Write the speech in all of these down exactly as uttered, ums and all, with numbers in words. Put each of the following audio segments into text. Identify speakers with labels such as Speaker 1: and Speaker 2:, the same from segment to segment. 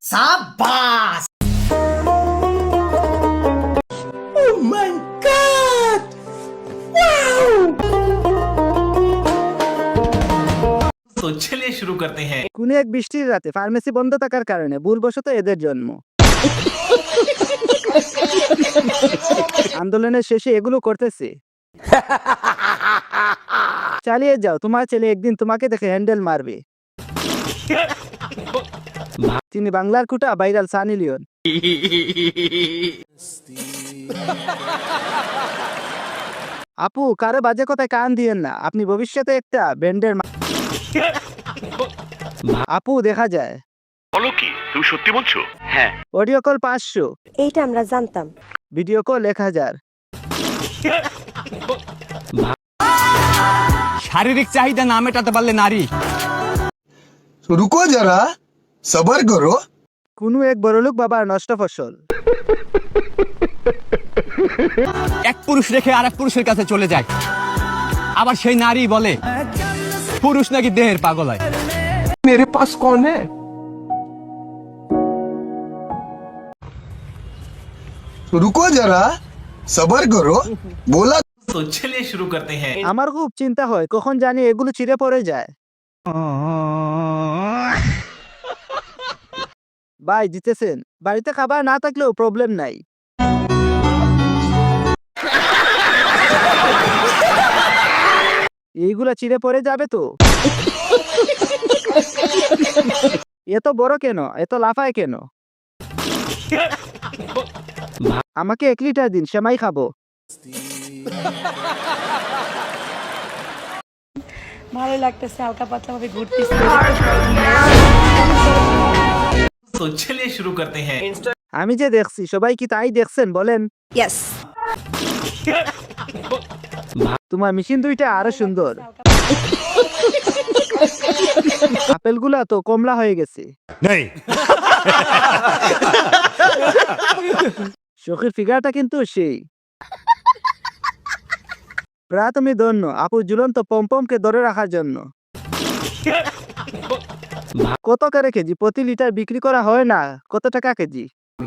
Speaker 1: शाबाश। Oh my god, wow.
Speaker 2: तो चलिए शुरू करते हैं।
Speaker 3: কোনো এক বৃষ্টির রাতে ফার্মেসি বন্ধ থাকার কারণে ভুলবশত এদের জন্ম। আন্দোলনের শেষে এগুলো করতেছে। চালিয়ে যাও, তোমার ছেলে একদিন তোমাকে দেখে হ্যান্ডেল মারবে। তিনি বাংলার কুটা ভাইরাল সানি লিওন। আপু, কারো বাজে কথায় কান দিয়েন না, আপনি ভবিষ্যতে একটা ব্যান্ডের মা- আপু, দেখা যায়
Speaker 4: বলো কি, তুমি সত্যি বলছো? হ্যাঁ।
Speaker 3: অডিও কল পাঁচশো,
Speaker 5: এইটা আমরা জানতাম।
Speaker 3: ভিডিও কল এক হাজার।
Speaker 6: শারীরিক চাহিদা না মেটাতে পারলে নারী।
Speaker 7: रुको जरा, सबर करो।
Speaker 3: কোনো এক বড়লোক বাবার নষ্ট ফসল।
Speaker 6: এক পুরুষ রেখে আরেক পুরুষের কাছে চলে যায়, আবার সেই নারী বলে পুরুষ নাকি দেহের পাগল হয়।
Speaker 7: मेरे पास कौन है? रुको जरा, सबर करो। बोला
Speaker 2: तो चलिए शुरू करते हैं।
Speaker 3: আমার খুব চিন্তা হয় কখন জানি এগুলো চিড়ে পড়ে যায়। ভাই জিতেছেন, বাড়িতে খাবার না থাকলেও প্রবলেম নাই। এইগুলা চিড়ে পড়ে যাবে তো। এত বড় কেন, এত লাফায় কেন? আমাকে এক লিটার দিন, সেমাই খাবো।
Speaker 5: ভালো লাগতেছে, হালকা পাতলা ভাবে ঘুরতেছি।
Speaker 2: तो चलिए शुरू करते हैं।
Speaker 3: আমি যে দেখছি সবাই কি তাই দেখছেন বলেন?
Speaker 5: ইয়েস।
Speaker 3: তোমার মেশিন দুইটা আরো সুন্দর। আপেলগুলা তো কমলা হয়ে গেছে। শখের ফিগারটা কিন্তু সেই। প্রায় তুমি ধন্য আপু ঝুলন্ত পমপমকে ধরে রাখার জন্য। কত করে কেজি? প্রতি লিটার বিক্রি করা হয় না, কত টাকা কেজি?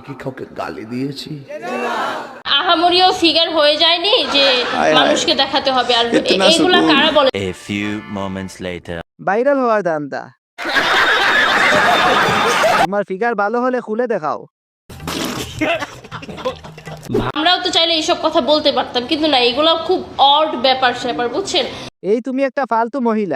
Speaker 8: আহামরিও ফিগার হয়ে যায়নি যে মানুষকে দেখাতে হবে। আর এইগুলা কারা বলে?
Speaker 9: A few moments later.
Speaker 3: Viral হওয়ার ধান্দা। তোমার ফিগার ভালো হলে খুলে দেখাও।
Speaker 8: আমরাও তো চাইলে এইসব কথা বলতে পারতাম, কিন্তু না, এগুলো খুব অড ব্যাপার স্যাপার, বুঝছেন?
Speaker 3: এই তুমি একটা ফালতু মহিলা।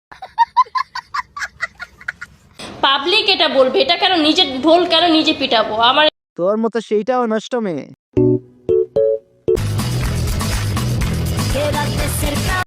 Speaker 8: পাবলিক এটা বলবে, এটা কেন নিজের ঢোল কেন নিজে পিটাবো? আমার
Speaker 3: তোর মতো সেইটাও নষ্ট মেয়ে।